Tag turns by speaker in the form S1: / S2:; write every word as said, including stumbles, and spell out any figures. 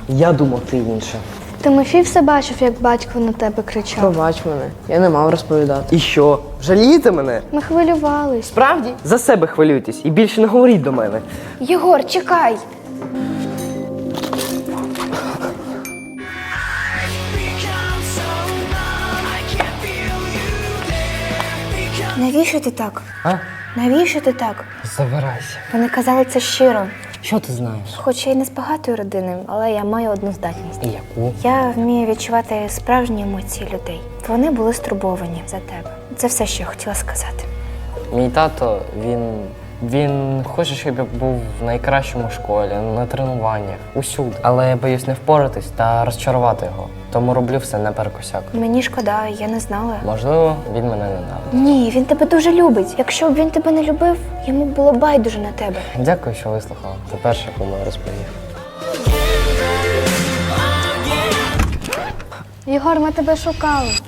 S1: Я думав, ти інше.
S2: Тимофій все бачив, як батько на тебе кричав.
S3: Пробач мене, я не мав розповідати.
S1: І що? Жалієте мене?
S2: Ми хвилювались.
S1: Справді? За себе хвилюйтесь і більше не говоріть до мене.
S2: Єгор, чекай! Навіщо ти так?
S1: А?
S2: Навіщо ти так?
S1: Забирайся.
S2: Вони казали це щиро.
S1: Що ти знаєш?
S2: Хоч я й не з багатої родини, але я маю одну здатність.
S1: І яку?
S2: Я вмію відчувати справжні емоції людей. Вони були стурбовані за тебе. Це все, що я хотіла сказати.
S4: Мій тато, він, він хоче, щоб я був в найкращому школі, на тренуваннях, усюди. Але я боюсь не впоратись та розчарувати його. Тому роблю все наперекосяк.
S2: Мені шкода, я не знала.
S4: Можливо, він мене ненавидить.
S2: Ні, він тебе дуже любить. Якщо б він тебе не любив, йому було байдуже на тебе.
S4: Дякую, що вислухала. Ти перша, кому я розповів.
S2: Єгор, ми тебе шукали.